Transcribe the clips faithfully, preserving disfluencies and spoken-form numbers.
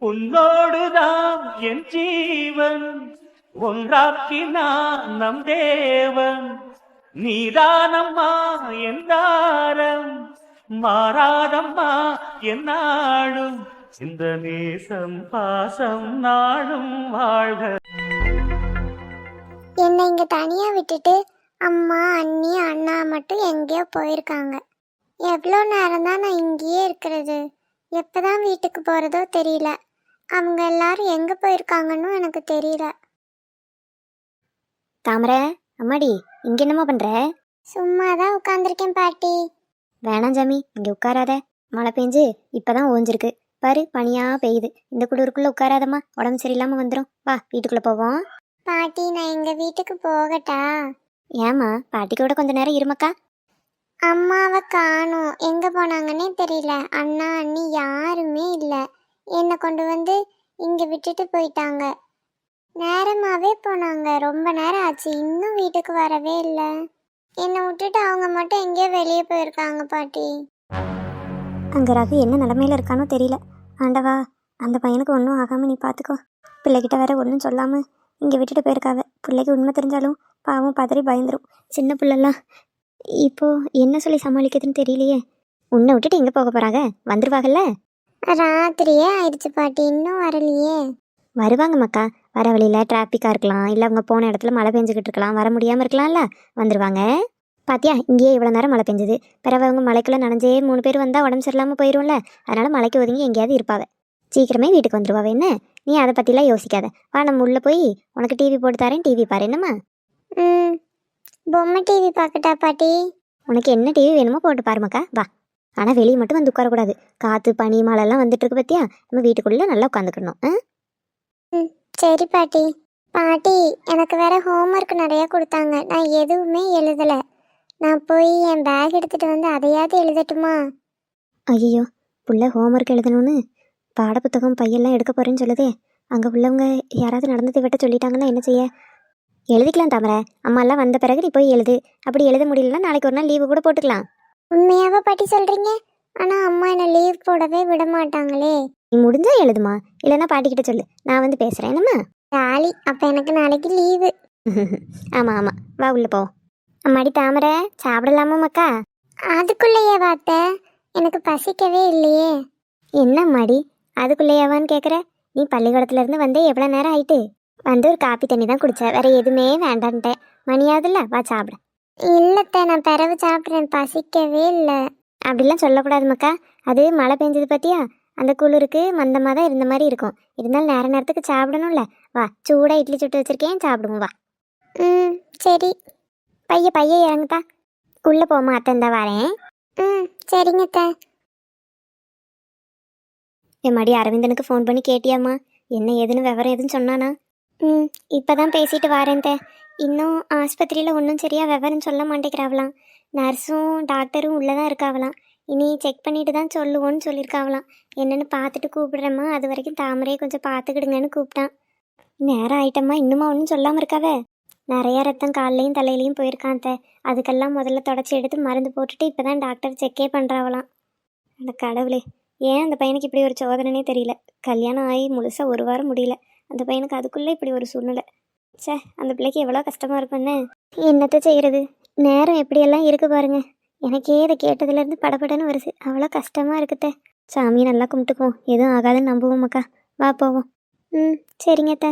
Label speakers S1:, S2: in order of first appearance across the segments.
S1: உன்னோடுதான் என் ஜீவன் ஒன்றாக்கினான் நம் தேவன். நீதானம்மா என் தாரம் மாறாதம்மா என் நாடும் இந்த நேசம் பாசம் நாடும் வாழ்க.
S2: என்னை இங்க தனியா விட்டுட்டு அம்மா அண்ணி அண்ணா மட்டும் எங்கேயோ போயிருக்காங்க. எவ்வளோ நேரம் தான் நான் இங்கேயே இருக்கிறது? எப்பதான் வீட்டுக்கு போறதோ தெரியல. அவங்க எல்லாரும் எங்க போயிருக்காங்கன்னு எனக்கு தெரியல.
S3: தாமரை அம்மாடி, இங்க என்னம்மா பண்ற?
S2: சும்மா தான் உட்காந்துருக்கேன் பாட்டி.
S3: வேணாம் ஜாமி, இங்க உட்காராத. மழை பெஞ்சு இப்பதான் ஓஞ்சிருக்கு பாரு, பனியா பெய்யுது. இந்த குளிருக்குள்ள உட்காராதம்மா, உடம்பு சரியில்லாம வந்துடும். வா வீட்டுக்குள்ள போவோம்.
S2: பாட்டி நான் எங்க வீட்டுக்கு போகட்டா?
S3: ஏமா, பாட்டி கூட கொஞ்ச நேரம் இருமக்கா.
S2: அம்மாவை காணோம், எங்க போனாங்கன்னே தெரியல. அண்ணா அண்ணி யாருமே இல்லை. என்னை கொண்டு வந்து இங்க விட்டுட்டு போயிட்டாங்க. நேரமாவே போனாங்க, ரொம்ப நேரம் ஆச்சு, இன்னும் வீட்டுக்கு வரவே இல்லை. என்னை விட்டுட்டு அவங்க மட்டும் எங்கேயோ வெளியே போயிருக்காங்க பாட்டி.
S3: அங்க ரகு என்ன நிலமையில இருக்கானோ தெரியல. ஆண்டவா, அந்த பையனுக்கு ஒன்றும் ஆகாம நீ பாத்துக்கோ. பிள்ளைகிட்ட வேற ஒன்றும் சொல்லாம இங்க விட்டுட்டு போயிருக்காவ. பிள்ளைக்கு உண்மை தெரிஞ்சாலும் பாவம் பதறி பயந்துரும். சின்ன பிள்ளைலாம் இப்போ என்ன சொல்லி சமாளிக்கிறதுன்னு தெரியலையே. உன்னை விட்டுட்டு எங்க போக போறாங்க? வந்துருவாங்கல்ல?
S2: ராத்திரியே ஆயிடுச்சு பாட்டி, இன்னும் வரலையே.
S3: வருவாங்க மக்கா. வர வழியில டிராஃபிக்கா இருக்கலாம், இல்ல அவங்க போன இடத்துல மழை பெஞ்சுக்கிட்டு இருக்கலாம், வர முடியாம இருக்கலாம்ல. வந்துருவாங்க. பாத்தியா, இங்கேயே இவ்வளவு நேரம் மழை பெஞ்சது. பிறகு அவங்க மலைக்குள்ள நனைஞ்சே மூணு பேர் வந்தா உடம்பு சரியில்லாம போயிரும்ல. அதனால மலைக்கு ஒதுங்கி எங்கேயாவது இருப்பாவ. சீக்கிரமே வீட்டுக்கு வந்துருவாவ. என்ன நீ அதை பத்திலாம் யோசிக்காத. வா, நம்ம உள்ள போய் உனக்கு டிவி போட்டு தரேன், டிவி பாரு. என்னம்மா?
S2: ம் பொம்மை டிவி பார்க்கட்டா பாட்டி?
S3: உனக்கு என்ன டிவி வேணுமோ போட்டு பாருமாக்கா, வா. ஆனா வெளியே மட்டும் வந்து உட்காரக்கூடாது. காத்து பனி மழை எல்லாம் வந்துட்டு இருக்கு பத்தியா. நம்ம வீட்டுக்குள்ள நல்லா உட்காந்துக்கணும்.
S2: ம் சரி பாட்டி. பாட்டி எனக்கு வேற ஹோம்ஒர்க் நிறைய கொடுத்தாங்க, நான் எதுவுமே எழுதலை. நான் போய் என் பேக் எடுத்துட்டு வந்து அதையாவது எழுதட்டுமா?
S3: ஐயோ, புள்ள ஹோம்ஒர்க் எழுதணும்னு பாடப்புத்தகம் பையெல்லாம் எடுக்க போறேன்னு சொல்லுதே. அங்கே உள்ளவங்க யாராவது நடந்ததை விட்ட சொல்லிட்டாங்கன்னா என்ன செய்ய? எழுதிக்கலாம் தாமரை, அம்மா எல்லாம் வந்த பிறகு நீ போய் எழுது. அப்படி எழுத முடியலன்னா நாளைக்கு ஒரு நாள் லீவு கூட போட்டுக்கலாம்.
S2: உண்மையாவா பாட்டி சொல்றீங்க? ஆனா அம்மா என்ன லீவ் போடவே விட மாட்டாங்களே.
S3: நீ முடிஞ்சா எழுதுமா, இல்லைன்னா பாட்டிக்கிட்ட சொல்லு, நான் வந்து பேசுறேன். என்னம்மா?
S2: ஜாலி, அப்ப எனக்கு நாளைக்கு லீவு.
S3: ஆமா ஆமா, வா உள்ள போ. அம்மாடி தாமரை, சாப்பிடலாமா மக்கா?
S2: அதுக்குள்ளேயே வாத்த, எனக்கு பசிக்கவே இல்லையே.
S3: என்ன அம்மாடி அதுக்குள்ளேயாவான்னு கேட்குற? நீ பள்ளிக்கூடத்துல இருந்து வந்தே எவ்வளோ நேரம் ஆயிட்டு? வந்து ஒரு காப்பி தண்ணி தான் குடிச்ச, வேற எதுவுமே வேண்டான்ட்டேன். மணியாவதுல்ல, வா சாப்பிட.
S2: இல்லத்த, நான் பிறகு சாப்பிட்றேன், பசிக்கவே இல்லை.
S3: அப்படிலாம் சொல்லக்கூடாது மக்கா. அது மழை பெஞ்சது பத்தியா, அந்த குளிருக்கு மந்தமாக தான் இருந்த மாதிரி இருக்கும். இருந்தாலும் நேர நேரத்துக்கு சாப்பிடணும்ல. வா, சூடா இட்லி சுட்டு வச்சிருக்கேன், சாப்பிடுவோம் வா.
S2: ம் சரி.
S3: பைய பைய இறங்குதா, உள்ள போமா, அத்தன் தான் வரேன்.
S2: ம் சரிங்கத்த.
S3: என் மடி அரவிந்தனுக்கு ஃபோன் பண்ணி கேட்டியாம்மா? என்ன ஏதுன்னு விவரம் எதுன்னு சொன்னானா? ம் இப்போதான் பேசிட்டு வரேன் தே. இன்னும் ஆஸ்பத்திரியில் ஒன்றும் சரியா விவரம் சொல்ல மாட்டேங்கிறாவலாம். நர்ஸும் டாக்டரும் உள்ளே தான் இருக்காவலாம். இனி செக் பண்ணிட்டு தான் சொல்லுவோன்னு சொல்லியிருக்காவலாம். என்னென்னு பார்த்துட்டு கூப்பிடுறேம்மா, அது வரைக்கும் தாமரையை கொஞ்சம் பார்த்துக்கிடுங்கன்னு கூப்பிட்டான். நேரம் ஆயிட்டம்மா, இன்னுமா ஒன்றும் சொல்லாமல் இருக்காவே. நிறைய ரத்தம் கால்லையும் தலையிலையும் போயிருக்கான் தே. அதுக்கெல்லாம் முதல்ல தொடச்சி எடுத்து மருந்து போட்டுட்டு இப்போ தான் டாக்டர் செக்கே பண்ணுறாவலாம். அந்த கடவுளே, ஏன் அந்த பையனுக்கு இப்படி ஒரு சோதனைனே தெரியல. கல்யாணம் ஆகி முழுசாக ஒரு வாரம் முடியல, அந்த பையனுக்கு அதுக்குள்ளே இப்படி ஒரு சூழ்நிலை. சே, அந்த பிள்ளைக்கு எவ்வளோ கஷ்டமாக இருக்குன்னு. என்னத்தை செய்கிறது, நேரம் எப்படியெல்லாம் இருக்குது பாருங்க. எனக்கே இதை கேட்டதுலேருந்து படப்படன்னு வருது. அவ்வளோ கஷ்டமாக இருக்குதே. சாமியை நல்லா கும்பிட்டுக்குவோம், எதுவும் ஆகாதுன்னு நம்புவோம் மக்கா. வா போவோம். ம் சரிங்க அத்தை.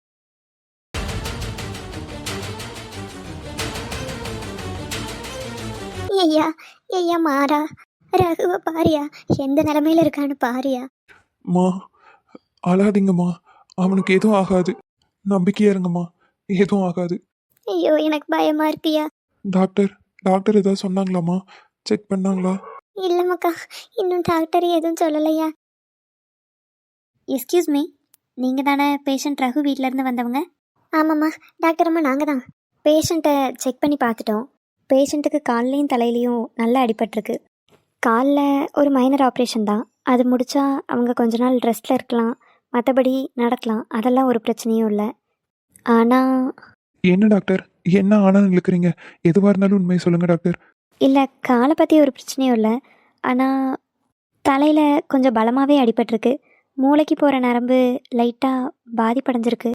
S3: ஐயா ஐயா மாறா, ரகுவ பாரியா, எந்த நிலைமையில இருக்கான்னு பாரியா.
S4: மா அழாதீங்கம்மா, அவனுக்கு எதுவும் ஆகாது, நம்பிக்கையா இருங்கம்மா, எதுவும் ஆகாது.
S3: ஐயோ எனக்கு பயமா இருக்குயா.
S4: டாக்டர் டாக்டர் ஏதாவது சொன்னாங்களாம்மா? செக் பண்ணாங்களா?
S3: இல்ல மக்கா, இன்னும் டாக்டர் எதுவும் சொல்லலையா. எஸ்கியூஸ் மீ, நீங்கள் தானே பேஷண்ட் ரகு வீட்டிலேருந்து வந்தவங்க? ஆமாம்மா டாக்டர் அம்மா, நாங்கள் தான். பேஷண்ட்டை செக் பண்ணி பார்த்துட்டோம். பேஷண்ட்டுக்கு கால்லையும் தலையிலையும் நல்லா அடிபட்டிருக்கு. காலில் ஒரு மைனர் ஆப்ரேஷன் தான், அது முடித்தா அவங்க கொஞ்ச நாள் ரெஸ்ட்டில் இருக்கலாம், மற்றபடி நடக்கலாம், அதெல்லாம் ஒரு பிரச்சனையும் இல்லை. ஆனால்
S4: என்ன டாக்டர், என்ன ஆனாலும் இழுக்கிறீங்க? எதுவாக இருந்தாலும் உண்மையை சொல்லுங்கள் டாக்டர்.
S3: இல்லை, காலை பற்றி ஒரு பிரச்சனையும் இல்லை, ஆனால் தலையில் கொஞ்சம் பலமாகவே அடிபட்டிருக்கு. மூளைக்கு போகிற நரம்பு லைட்டாக பாதிப்படைஞ்சிருக்கு.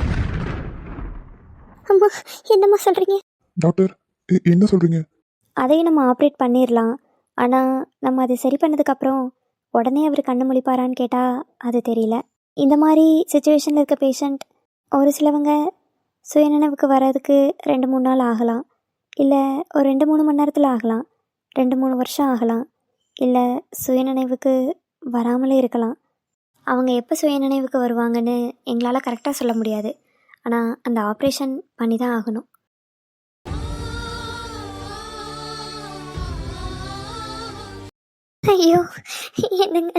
S3: அம்மா, என்னம்மா சொல்கிறீங்க?
S4: டாக்டர் எ- என்ன சொல்றீங்க?
S3: அதையும் நம்ம ஆப்ரேட் பண்ணிடலாம். ஆனால் நம்ம அதை சரி பண்ணதுக்கப்புறம் உடனே அவர் கண்ணு முழிப்பாரான்னு கேட்டால் அது தெரியல. இந்த மாதிரி சுச்சுவேஷனில் இருக்க பேஷண்ட் ஒரு சிலவங்க சுயநினைவுக்கு வர்றதுக்கு ரெண்டு மூணு நாள் ஆகலாம், இல்லை ஒரு ரெண்டு மூணு மணி நேரத்தில் ஆகலாம், ரெண்டு மூணு வருஷம் ஆகலாம், இல்லை சுயநினைவுக்கு வராமலே இருக்கலாம். அவங்க எப்போ சுயநினைவுக்கு வருவாங்கன்னு எங்களால் கரெக்டாக சொல்ல முடியாது. ஆனால் அந்த ஆப்ரேஷன் பண்ணி தான் ஆகணும். ஐயோ, என்னங்க,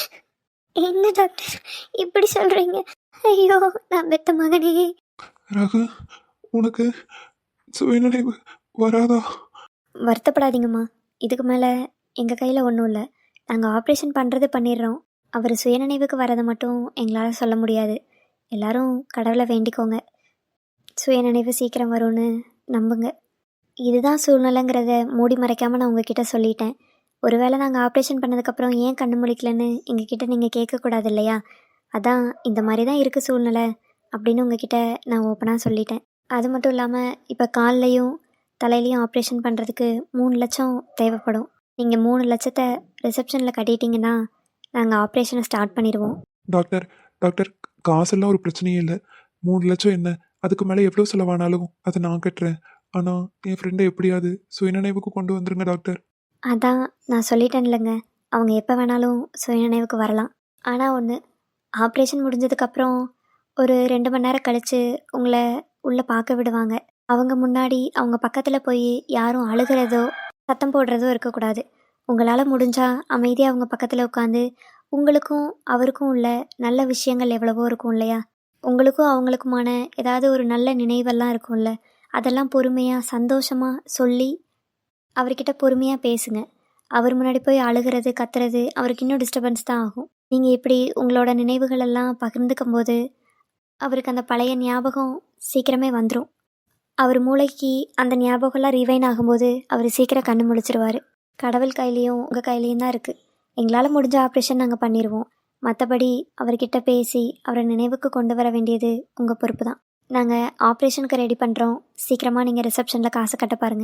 S3: என்ன டாக்டர் இப்படி சொல்கிறீங்க? ஐயோ, நான் பெத்த மகனே.
S4: ரகு, உனக்கு சுயநினைவு வராதா?
S3: வருத்தப்படாதீங்கம்மா, இதுக்கு மேலே எங்கள் கையில் ஒன்றும் இல்லை. நாங்கள் ஆப்ரேஷன் பண்ணுறது பண்ணிடுறோம். அவர் சுயநினைவுக்கு வரதை மட்டும் எங்களால் சொல்ல முடியாது. எல்லாரும் கடவுளை வேண்டிக்கோங்க, சுயநினைவு சீக்கிரம் வரும்னு நம்புங்க. இதுதான் சூழ்நிலைங்கிறத மூடி மறைக்காமல் நான் உங்ககிட்ட சொல்லிட்டேன். ஒருவேளை நாங்கள் ஆப்ரேஷன் பண்ணதுக்கப்புறம் ஏன் கண்ணு முழிக்கலன்னு எங்ககிட்ட நீங்கள் கேட்கக்கூடாது இல்லையா? அதான் இந்த மாதிரி தான் இருக்குது சூழ்நிலை அப்படின்னு உங்ககிட்ட நான் ஓப்பனாக சொல்லிட்டேன். அது மட்டும் இல்லாமல் இப்போ கால்லையும் தலையிலையும் ஆப்ரேஷன் பண்ணுறதுக்கு மூணு லட்சம் தேவைப்படும். நீங்கள் மூணு லட்சத்தை ரிசப்ஷனில் கட்டிட்டீங்கன்னா நாங்கள் ஆப்ரேஷனை ஸ்டார்ட் பண்ணிடுவோம்.
S4: டாக்டர் டாக்டர் காசெல்லாம் ஒரு பிரச்சனையே இல்லை. மூணு லட்சம் என்ன, அதுக்கு மேலே எவ்வளோ செலவானாலும் அதை நான் கட்டுறேன். ஆனால் என் ஃப்ரெண்டை எப்படியாவது சுயநினைவுக்கு கொண்டு வந்துருங்க டாக்டர்.
S3: அதான் நான் சொல்லிட்டேன் இல்லைங்க, அவங்க எப்போ வேணாலும் சுயநினைவுக்கு வரலாம். ஆனால் ஒன்று, ஆப்ரேஷன் முடிஞ்சதுக்கப்புறம் ஒரு ரெண்டு மணி நேரம் கழித்து உங்களை உள்ளே பார்க்க விடுவாங்க. அவங்க முன்னாடி அவங்க பக்கத்தில் போய் யாரும் அழுகிறதோ சத்தம் போடுறதோ இருக்கக்கூடாது. உங்களால் முடிஞ்சால் அமைதியாக அவங்க பக்கத்தில் உட்காந்து உங்களுக்கும் அவருக்கும் உள்ள நல்ல விஷயங்கள் எவ்வளவோ இருக்கும் இல்லையா, உங்களுக்கும் அவங்களுக்குமான ஏதாவது ஒரு நல்ல நினைவெல்லாம் இருக்கும்ல, அதெல்லாம் பொறுமையாக சந்தோஷமாக சொல்லி அவர்கிட்ட பொறுமையாக பேசுங்க. அவர் முன்னாடி போய் அழுகிறது கத்துறது அவருக்கு இன்னும் டிஸ்டர்பன்ஸ் தான் ஆகும். நீங்கள் இப்படி உங்களோட நினைவுகள் எல்லாம் பகிர்ந்துக்கும் போது அவருக்கு அந்த பழைய ஞாபகம் சீக்கிரமே வந்துடும். அவர் மூளைக்கு அந்த ஞாபகம்லாம் ரிவைன் ஆகும்போது அவர் சீக்கிரம் கண்ணு முழிச்சிருவார். கடவுள் கையிலையும் உங்கள் கையிலையும் தான் இருக்குது. எங்களால் முடிஞ்ச ஆப்ரேஷன் நாங்கள் பண்ணிடுவோம். மற்றபடி அவர்கிட்ட பேசி அவரை நினைவுக்கு கொண்டு வர வேண்டியது உங்கள் பொறுப்பு தான். நாங்கள் ஆப்ரேஷனுக்கு ரெடி பண்ணுறோம். சீக்கிரமாக நீங்கள் ரிசப்ஷனில் காசு கட்ட பாருங்கள்.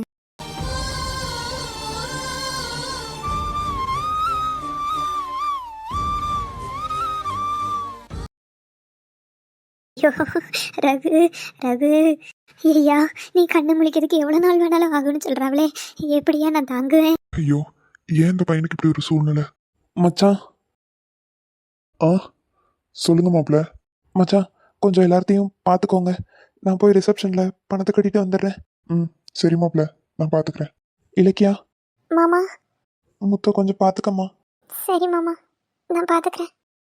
S3: ஐயோ, ரகு ரகு ஐயா, நீ கண்ணு முழிக்கிறதுக்கு எவ்வளோ நாள் வேணாலும் ஆகும்னு சொல்கிறாங்களே, எப்படியா நான் தாங்குவேன்?
S4: ஐயோ, ஏன் இந்த பையனுக்கு இப்படி ஒரு சூழ்நிலை? மச்சான். ஆ சொல்லுங்க மாப்பிள்ள. மச்சான், கொஞ்சம் எல்லாத்தையும் பார்த்துக்கோங்க. நான் போய் ரிசப்ஷனில் பணத்தை கட்டிட்டு வந்துடுறேன். ம் சரி மாப்பிள்ள, நான் பார்த்துக்கிறேன். இலக்கியா,
S2: மாமா.
S4: முத்த கொஞ்சம் பார்த்துக்கம்மா.
S2: சரி மாமா, நான் பார்த்துக்கிறேன்.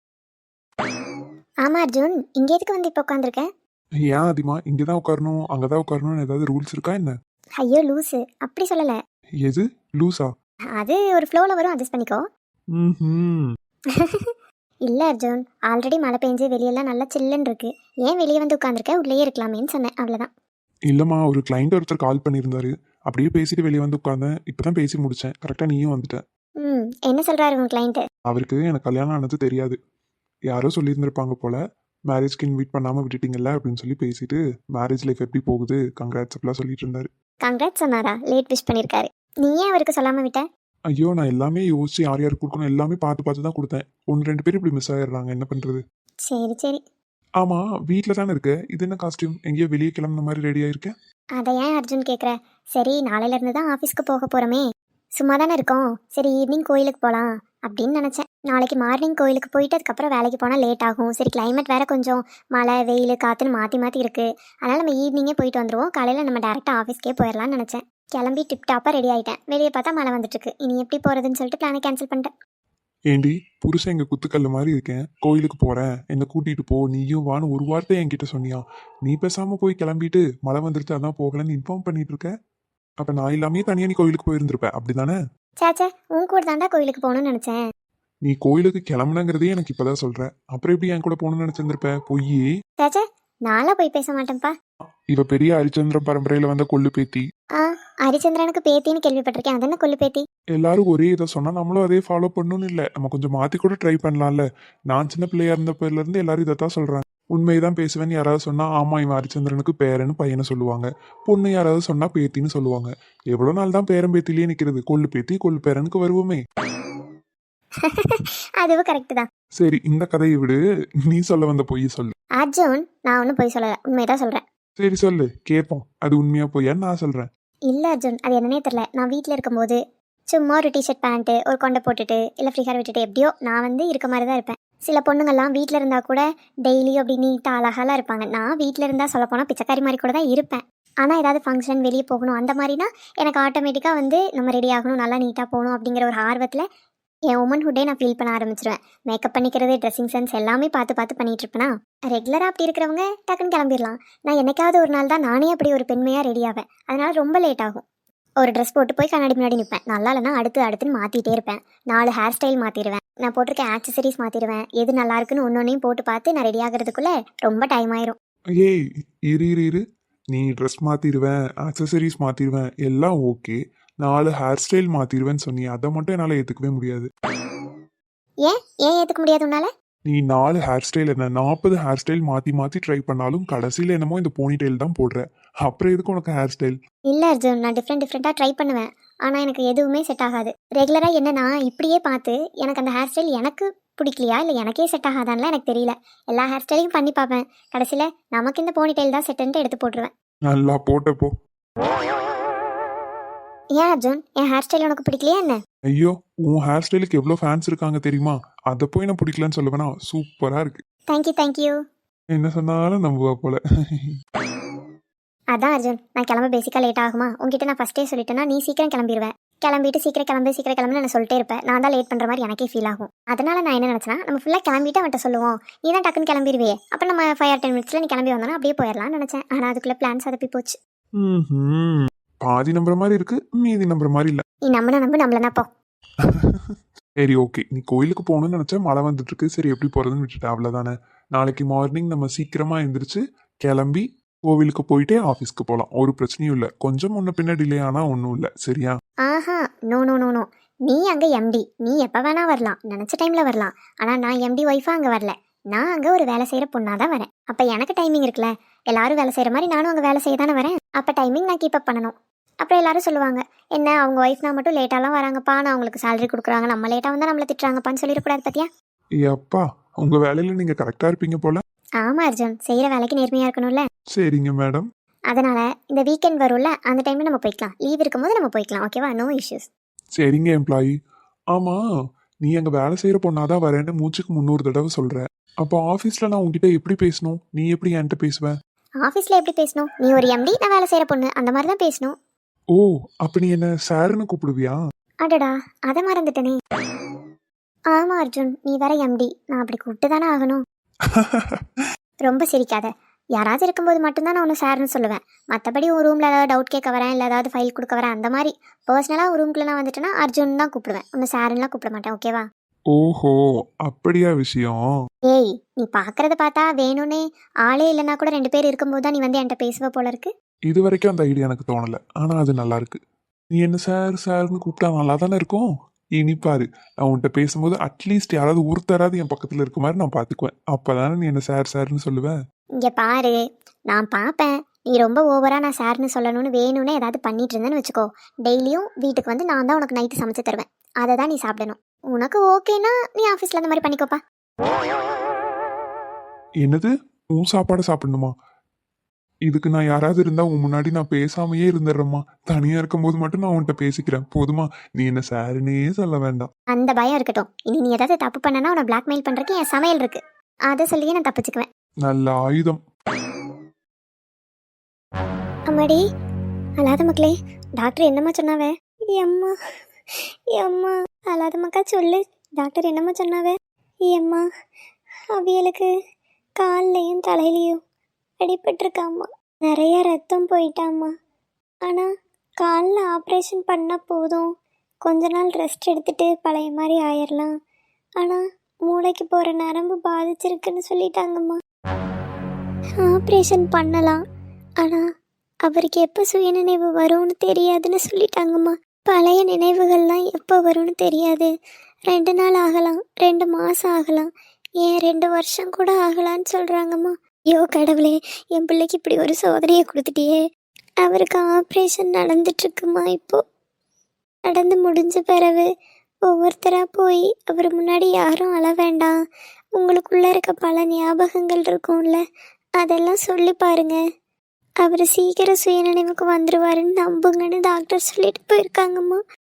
S2: ஆமா அர்ஜுன், இங்கே எதுக்கு வந்து இப்போ உட்காந்துருக்கேன்?
S4: ஏன் அதிகமா இங்கே தான் உட்காரணும் அங்கே தான் உட்காரணும்னு ஏதாவது ரூல்ஸ் இருக்கா என்ன?
S2: ஐயோ லூஸு, அப்படி சொல்லலை.
S4: எது லூஸா?
S2: அது ஒரு ஃப்ளோவில் வரும், அட்ஜஸ்ட் பண்ணிக்கோ.
S4: ம்
S2: இல்லை அர்ஜுன், ஆல்ரெடி மழை பெஞ்சு வெளியெல்லாம் நல்லா சில்லுன்னு இருக்கு. ஏன் வெளியே வந்து உட்காந்துருக்க, உள்ளேயே இருக்கலாமேன்னு சொன்னேன், அவ்வளோதான்.
S4: இல்லைம்மா, ஒரு கிளைண்ட் ஒருத்தர் கால் பண்ணியிருந்தாரு. அப்படியே பேசிட்டு வெளியே வந்து உட்காந்தேன். இப்போ தான் பேசி முடித்தேன். கரெக்டாக நீயும் வந்துட்ட.
S2: ம் என்ன சொல்கிறாரு உங்கள் கிளைண்ட்டு?
S4: அவருக்கு எனக்கு கல்யாணம் ஆனது தெரியாது. யாரோ சொல்லியிருந்திருப்பாங்க போல, மேரேஜ்க்கு இன்வைட் பண்ணாமல் விட்டுட்டீங்கல்ல அப்படின்னு சொல்லி பேசிட்டு மேரேஜ் லைஃப் எப்படி போகுது கங்க்ராட்ஸ் அப்படிலாம் சொல்லிட்டு இருந்தாரு.
S2: கங்க்ராட் சொன்னாரா? லேட் விஷ் பண்ணியிருக்காரு. நீ ஏன் அவருக்கு சொல்லாமல் விட்ட?
S4: ஐயோ, நான் எல்லாமே யோசிச்சு யார் யாருக்கு கொடுக்கணும் எல்லாமே பார்த்து பார்த்து தான் கொடுத்தேன். ஒன்று ரெண்டு பேர் இப்படி மிஸ் ஆயிடுறாங்க, என்ன பண்ணுறது?
S2: சரி சரி.
S4: ஆமாம், வீட்டில் தானே இருக்க. இது என்ன காஸ்டியூம்? எங்கேயோ வெளியே கிளம்புன மாதிரி ரெடி ஆயிருக்கேன்.
S2: அதை ஏன் அர்ஜுன் கேட்குற? சரி, நாளையிலேருந்து தான் ஆஃபீஸ்க்கு போக போகிறோமே, சும்மா தானே இருக்கோம். சரி ஈவினிங் கோயிலுக்கு போகலாம் அப்படின்னு நினச்சேன். நாளைக்கு மார்னிங் கோயிலுக்கு போயிட்டு அதுக்கப்புறம் வேலைக்கு போனால் லேட் ஆகும். சரி, கிளைமேட் வேறு கொஞ்சம் மழை வெயில் காற்றுன்னு மாற்றி மாற்றி இருக்குது. அதனால் நம்ம ஈவினிங்கே போயிட்டு வந்துடுவோம். காலையில் நம்ம டேரெக்டாக ஆஃபீஸ்க்கே போயிடலான்னு நினச்சேன். கிளம்பி டிப் டாப்பாக ரெடி ஆகிட்டேன். வெளியே பார்த்தா மழை வந்துட்டுருக்கு. இனி எப்படி போகிறதுன்னு சொல்லிட்டு பிளானை கேன்சல் பண்ணிட்டேன்.
S4: ஏண்டி, புருஷன் எங்கள் குத்துக்கல்ல மாதிரி இருக்கேன். கோயிலுக்கு போகிறேன், என்னை கூட்டிகிட்டு போ, நீயும் வான்னு ஒரு வார்த்தை என்கிட்ட சொன்னியா? நீ பேசாமல் போய் கிளம்பிட்டு மழை வந்துருச்சு அதான் போகலன்னு இன்ஃபார்ம் பண்ணிட்டு இருக்க. அப்போ நான் இல்லாமே தனியாக நீ கோயிலுக்கு போயிருந்திருப்பேன், அப்படி தானே?
S2: சேச்சே, உன் கூட தாண்டா கோயிலுக்கு போகணும்னு நினச்சேன்.
S4: நீ கோயிலுக்கு கிளம்புனங்கிறதே எனக்கு இப்போதான் சொல்கிறேன். அப்புறம் எப்படி என் கூட போகணும்னு நினச்சிருந்திருப்ப? பொய்யே.
S2: சேச்சே, நான்லாம் போய் பேச மாட்டேன்ப்பா.
S4: இவ பெரிய ஹரிச்சந்திரன் பரம்பரையில் வந்த கொள்ளு பேத்தி.
S2: ஆ
S3: ஹரிச்சந்திரனுக்கு பேத்தின்னு கேள்விப்பட்டிருக்கேன், அது என்ன கொல்லு பேத்தி?
S4: எல்லாரும் ஒரே இதை சொன்னா நம்மளும் அதே ஃபாலோ பண்ணணும்னு இல்லை, நம்ம கொஞ்சம் மாத்தி கூட ட்ரை பண்ணலாம்ல. நான் சின்ன பிள்ளையா இருந்த பேர்ல இருந்து எல்லாரும் இதைத்தான் சொல்றாங்க. உண்மைதான் பேசுவேன்னு யாராவது சொன்னா ஆமா இவன் ஹரிச்சந்திரனுக்கு பேரன்னு பையனை சொல்லுவாங்க, பொண்ணு யாராவது சொன்னா பேத்தின்னு சொல்லுவாங்க. எவ்வளவு நாள் தான் பேரன் பேத்திலேயே நிக்கிறது, கொள்ளு பேத்தி கொள்ளு பேரனுக்கு வருவோமே.
S3: அதுவும் கரெக்ட் தான்.
S4: சரி இந்த கதையை விடு, நீ சொல்ல வந்த பொய் சொல்லு.
S3: அர்ஜுன், நான் ஒன்றும் போய் சொல்லலை, உண்மைதான் சொல்கிறேன்.
S4: சரி சொல்லு கேட்போம், அது உண்மையா பொய்யான்னு நான் சொல்றேன்.
S3: இல்லை அர்ஜுன், அது என்னன்னே தெரில. நான் வீட்டில் இருக்கும்போது சும்மா ஒரு டிஷர்ட் பேண்ட்டு ஒரு கொண்டை போட்டுட்டு இல்லை ஃப்ரீ ஹேர் விட்டுட்டு எப்படியோ நான் வந்து இருக்க மாதிரி தான் இருப்பேன். சில பொண்ணுங்கள்லாம் வீட்டில் இருந்தால் கூட டெய்லியும் அப்படி நீட்டாக அழகாலாம் இருப்பாங்க. நான் வீட்டில் இருந்தால் சொல்ல போனால் பிச்சைக்காரி மாதிரி கூட தான் இருப்பேன். ஆனால் ஏதாவது ஃபங்க்ஷன் வெளியே போகணும் அந்த மாதிரினா எனக்கு ஆட்டோமேட்டிக்காக வந்து நம்ம ரெடி ஆகணும், நல்லா நீட்டாக போகணும் அப்படிங்கிற ஒரு ஆர்வத்தில் என் உமன்ஹுட்டே நான் ஃபீல் பண்ண ஆரம்பிச்சிருவேன். மேக்கப் பண்ணிக்கிறது, ட்ரெஸ்ஸிங் சென்ஸ் எல்லாமே பார்த்து பார்த்து பண்ணிகிட்டு இருப்பேனா. ரெகுலராக அப்படி இருக்கிறவங்க டக்குன்னு கிளம்பிடலாம். நான் என்னைக்காவது ஒரு நாள் தான் நானே அப்படி ஒரு பெண்மையாக ரெடி ஆவேன். அதனால் ரொம்ப லேட் ஆகும். ஒரு ட்ரெஸ் போட்டு போய் கண்ணாடி முன்னாடி நிற்பேன், நல்லா இல்லைனா அடுத்து அடுத்துன்னு மாற்றிட்டே இருப்பேன். நாலு ஹேர் ஸ்டைல் மாற்றிடுவேன், நான் போட்டிருக்க ஆக்சசரிஸ் மாற்றிடுவேன். எது நல்லா இருக்குன்னு ஒன்று ஒன்றையும் போட்டு பார்த்து நான் ரெடி ஆகிறதுக்குள்ளே ரொம்ப டைம் ஆயிரும்.
S4: ஏய் இரு இரு இரு, நீ ட்ரெஸ் மாற்றிடுவேன், ஆக்சசரிஸ் மாற்றிடுவேன் எல்லாம் ஓகே, நாலு ஹேர் ஸ்டைல் மாற்றிடுவேன்னு சொன்னி அதை மட்டும் என்னால் ஏற்றுக்கவே முடியாது.
S3: ஏன் ஏன் ஏற்றுக்க முடியாது உன்னால?
S4: நீ நாலு ஹேர் ஸ்டைல் என்ன நாற்பது ஹேர் ஸ்டைல் மாற்றி மாற்றி ட்ரை பண்ணாலும் கடைசியில் என்னமோ இந்த போனி டெயில் தான் போடுற. அப்புறம் எதுக்கு உனக்கு ஹேர் ஸ்டைல்?
S3: இல்லை அர்ஜுன், நான் டிஃப்ரெண்ட் டிஃப்ரெண்ட்டாக ட்ரை பண்ணுவேன், ஆனால் எனக்கு எதுவுமே செட் ஆகாது. ரெகுலராக என்னன்னா இப்படியே பார்த்து எனக்கு அந்த ஹேர் ஸ்டைல் எனக்கு பிடிக்கலையா இல்லை எனக்கே செட் ஆகாதான்லாம் எனக்கு தெரியல. எல்லா ஹேர் ஸ்டைலையும் பண்ணி பார்ப்பேன், கடைசியில் நமக்கு இந்த போனி டெயில் தான் செட்டுன்ட்டு எடுத்து போட்டுருவேன்.
S4: நல்லா போட்டப்போ.
S3: ஏன் அர்ஜுன், என் ஹேர் ஸ்டைல் உனக்கு பிடிக்கலையா என்ன?
S4: ஐயோ உன் ஹேர் ஸ்டைலுக்கு எவ்வளோ ஃபேன்ஸ் இருக்காங்க தெரியுமா, அதை போய் நான் பிடிக்கலன்னு சொல்லுவேனா? சூப்பராக இருக்கு.
S3: Thank you thank you.
S4: என்ன சொன்னாலும் நம்புவா போல.
S3: அதான் அர்ஜுன், நான் கிளம்ப பேசிக்காக லேட் ஆகுமா? உங்ககிட்ட நான் ஃபஸ்ட்டே சொல்லிட்டேன்னா நீ சீக்கிரம் கிளம்பிடுவேன். கிளம்பிட்டு சீக்கிரம் கிளம்பு சீக்கிரம் கிளம்புன்னு நான் சொல்லிட்டே இருப்பேன். நான் தான் லேட் பண்ணுற மாதிரி எனக்கே ஃபீல் ஆகும். அதனால நான் என்ன நினச்சேன்னா நம்ம ஃபுல்லாக கிளம்பிட்டு அவன்கிட்ட சொல்லுவோம், நீ தான் டக்குன்னு கிளம்பிடுவே, அப்போ நம்ம ஃபைவ் ஆர் டென் மினிட்ஸில் நீ கிளம்பி வந்தோன்னா அப்படியே போயிடலாம்னு நினச்சேன். ஆனால் அதுக்குள்ளே பிளான்ஸ் அதப்பி போச்சு.
S4: ம் பாதி நம்புற மாதிரி இருக்கு, மீதி நம்புற மாதிரி இல்லை.
S3: நீ நம்பின நம்பு நம்மளனா போ.
S4: சரி ஓகே, நீ கோயிலுக்கு போகணும்னு நினச்சா மழை வந்துட்டு இருக்கு, சரி எப்படி போகிறதுன்னு விட்டுட்டு அவ்வளோதானே. நாளைக்கு மார்னிங் நம்ம சீக்கிரமாக எழுந்திரிச்சு கிளம்பி கோவிலுக்கு போயிட்டே ஆஃபீஸ்க்கு போகலாம், ஒரு பிரச்சனையும் இல்லை. கொஞ்சம் முன்ன பின்ன டிலே ஆனால் ஒன்றும் இல்லை, சரியா?
S3: ஆஹா, நோ நோ நோ நோ. நீ அங்கே எம்டி, நீ எப்போ வேணா வரலாம், நினச்ச டைமில் வரலாம். ஆனால் நான் எம்டி ஒய்ஃபாக அங்கே வரல, நான் அங்கே ஒரு வேலை செய்கிற பொண்ணாக தான் வரேன். அப்போ எனக்கு டைமிங் இருக்குல்ல, எல்லாரும் வேலை செய்கிற மாதிரி நானும் அங்கே வேலை செய்ய தானே வரேன். அப்போ டைமிங் நான் கீப் அப் பண்ணணும். அப்புறம் எல்லாரும் சொல்லுவாங்க, என்ன அவங்க ஒய்ஃப்னா மட்டும் லேட்டாலாம் வராங்கப்பா, நான் அவங்களுக்கு சேலரி கொடுக்குறாங்க, நம்ம லேட்டாக வந்தால் நம்மளை திட்டுறாங்கப்பான்னு சொல்லிடக்கூடாது பார்த்தியா?
S4: ஏப்பா உங்கள் வேலையில் நீங்கள் கரெக்டாக இருப்பீங்க போல.
S3: ஆமாம் அர்ஜுன், செய்கிற வேலைக்கு நேர்மையாக இருக்கணும்ல.
S4: சரிங்க மேடம்.
S3: அதனால் இந்த வீக்கெண்ட் வரும்ல, அந்த டைமில் நம்ம போய்க்கலாம், லீவ் இருக்கும்போது நம்ம போய்க்கலாம், ஓகேவா? No issues.
S4: சரிங்க எம்ப்ளாயி. ஆமாம், நீ அங்கே வேலை செய்கிற பொண்ணாதான் வரேன்னு மூச்சுக்கு முந்நூறு தடவை சொல்கிற. அப்போ ஆஃபீஸில் நான் உங்ககிட்ட எப்படி பேசணும், நீ எப்படி என்கிட்ட பேசுவேன்?
S3: ஆஃபீஸில் எப்படி பேசணும்? நீ ஒரு எம்டி, நான் வேலை செய்கிற பொண்ணு, அந்த மாதிரி தான் பேசணும்.
S4: ஓ அப்ப நீ என்ன சாருன்னு கூப்பிடுவியா?
S3: அடடா, அதை மறந்துட்டனே. ஆமாம் அர்ஜுன், நீ வேற எம்டி, நான் அப்படி கூப்பிட்டு தானே ஆகணும். ரொம்ப சிரிக்காத. யாராவது இருக்கும்போது மட்டும்தான் நான் ஒன்று சார்னு சொல்லுவேன். மற்றபடி ஒரு ரூமில் ஏதாவது டவுட் கேட்க வரேன், இல்லை ஏதாவது ஃபைல் கொடுக்க வரேன், அந்த மாதிரி பர்சனலாக ஒரு ரூம்குள்ளே நான் வந்துட்டேன்னா அர்ஜுன் தான் கூப்பிடுவேன், ஒன்று சாருன்னுலாம் கூப்பிட மாட்டேன், ஓகேவா?
S4: ஓஹோ அப்படியா விஷயம்.
S3: ஏய், நீ பார்க்கறத பார்த்தா வேணும்னே ஆளே இல்லைன்னா கூட ரெண்டு பேர் இருக்கும்போது தான் நீ வந்து என்கிட்ட பேசுவ போல இருக்கு.
S4: இது வரைக்கும் அந்த ஐடியா எனக்கு தோணலை, ஆனால் அது நல்லா இருக்கு. நீ என்ன சார் சார்னு கூப்பிட்டா நல்லா தானே இருக்கும். இனி பாரு, நான் உன்கிட்ட பேசும்போது அட்லீஸ்ட் யாராவது ஒருத்தராது என் பக்கத்தில் இருக்க மாதிரி நான் பார்த்துக்குவேன். அப்போதானே நீ என்ன சார் சார்னு சொல்லுவேன்.
S3: இங்கே பாரு, நான் பார்ப்பேன், நீ ரொம்ப ஓவராக நான் சார்னு சொல்லணும்னு வேணும்னே ஏதாவது பண்ணிட்டு இருந்தேன்னு வச்சுக்கோ, டெய்லியும் வீட்டுக்கு வந்து நான் தான் உனக்கு நைட்டு சமைச்சு தருவேன், அதை தான் நீ சாப்பிடணும். உனக்கு ஓகேனா நீ ஆஃபீஸில் அந்த மாதிரி பண்ணிக்கோப்பா.
S4: என்னது, உன் சாப்பாடை சாப்பிடணுமா? இதுக்கு நான் யாராவது இருந்தா உன் முன்னாடி நான் பேசாமையே இருந்துடுறேம்மா. தனியா இருக்கும்போது மட்டும் நான் உன்கிட்ட பேசிக்கிறேன் போதுமா? நீ என்ன சாருன்னே சொல்ல வேண்டாம்.
S3: அந்த பயம் இருக்கட்டும். இனி நீ ஏதாவது தப்பு பண்ணனா உன்னை பிளாக்மெயில் பண்றதுக்கு என் சமையல் இருக்கு, அதை சொல்லியே நான் தப்பிச்சுக்குவேன்.
S4: நல்ல ஆயுதம்.
S3: அம்மாடி, அல்லாத மக்களே, டாக்டர் என்னம்மா சொன்னாவே? எம்மா எம்மா அல்லாத மக்கா சொல்லு, டாக்டர் என்னம்மா சொன்னாவே? எம்மா அவியலுக்கு கால்லையும் தலையிலையும் அடிபட்டிருக்காம்மா, நிறைய ரத்தம் போயிட்டாம்மா. ஆனால் காலில் ஆப்ரேஷன் பண்ணால் போதும், கொஞ்ச நாள் ரெஸ்ட் எடுத்துட்டு பழைய மாதிரி ஆயிடலாம். ஆனால் மூளைக்கு போகிற நரம்பு பாதிச்சிருக்குன்னு சொல்லிட்டாங்கம்மா. ஆப்ரேஷன் பண்ணலாம், ஆனால் அவருக்கு எப்போ சுயநினைவு வரும்னு தெரியாதுன்னு சொல்லிட்டாங்கம்மா. பழைய நினைவுகள்லாம் எப்போ வரும்னு தெரியாது. ரெண்டு நாள் ஆகலாம், ரெண்டு மாதம் ஆகலாம், ஏன் ரெண்டு வருஷம் கூட ஆகலான்னு சொல்கிறாங்கம்மா. ஐயோ கடவுளே, என் பிள்ளைக்கு இப்படி ஒரு சோதனையை கொடுத்துட்டியே. அவருக்கு ஆப்ரேஷன் நடந்துட்டுருக்குமா இப்போது. நடந்து முடிஞ்ச பிறகு ஒவ்வொருத்தராக போய் அவர் முன்னாடி யாரும் அழ வேண்டாம், உங்களுக்குள்ளே இருக்க பல ஞாபகங்கள் இருக்கும்ல, அதெல்லாம் சொல்லி பாருங்க. அவர் சீக்கிரம் சுயநினைவுக்கு வந்துடுவாருன்னு நம்புங்கன்னு டாக்டர் சொல்லிட்டு போயிருக்காங்கம்மா.